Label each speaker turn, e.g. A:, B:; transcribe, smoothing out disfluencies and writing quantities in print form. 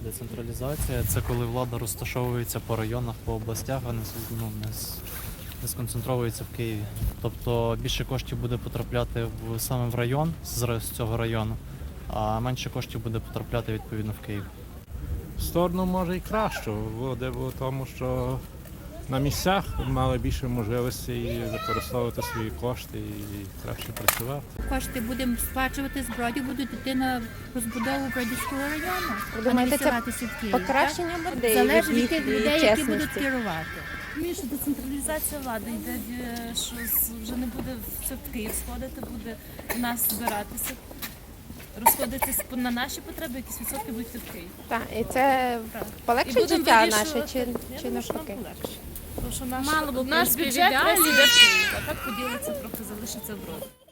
A: Децентралізація – це коли влада розташовується по районах, по областях, а не сконцентровується в Києві. Тобто більше коштів буде потрапляти саме в район з цього району, а менше коштів буде потрапляти відповідно в Київ.
B: В сторону може і краще буде, бо тому що на місцях мали більше можливостей використовувати свої кошти і краще працювати.
C: Кошти будемо сплачувати з Бродів, будуть йти на розбудову Бродівського району, а не
D: Думаєте, це
C: відсилатися в Київ.
D: покращення буде
C: Залежить від
D: їхньої
C: тих людей, які будуть
D: чесності?
C: керувати.
E: Розумію, що децентралізація влади йде, що вже не буде все в Київ сходити, буде в нас збиратися, розходитись на наші потреби, якісь відсотки будуть йти в Київ.
D: Так, і це
E: Так. І
D: полегшить
E: будемо
D: життя наше
E: вирішувати.
D: чи
E: Я думаю, що нам
D: навпаки?
E: полегше. Тому що
F: Мало б, в
E: наш
F: принципі,
E: бюджет
F: в ідеалі.
E: весь іде в Київ, а так поділиться трохи, залишиться в Броді.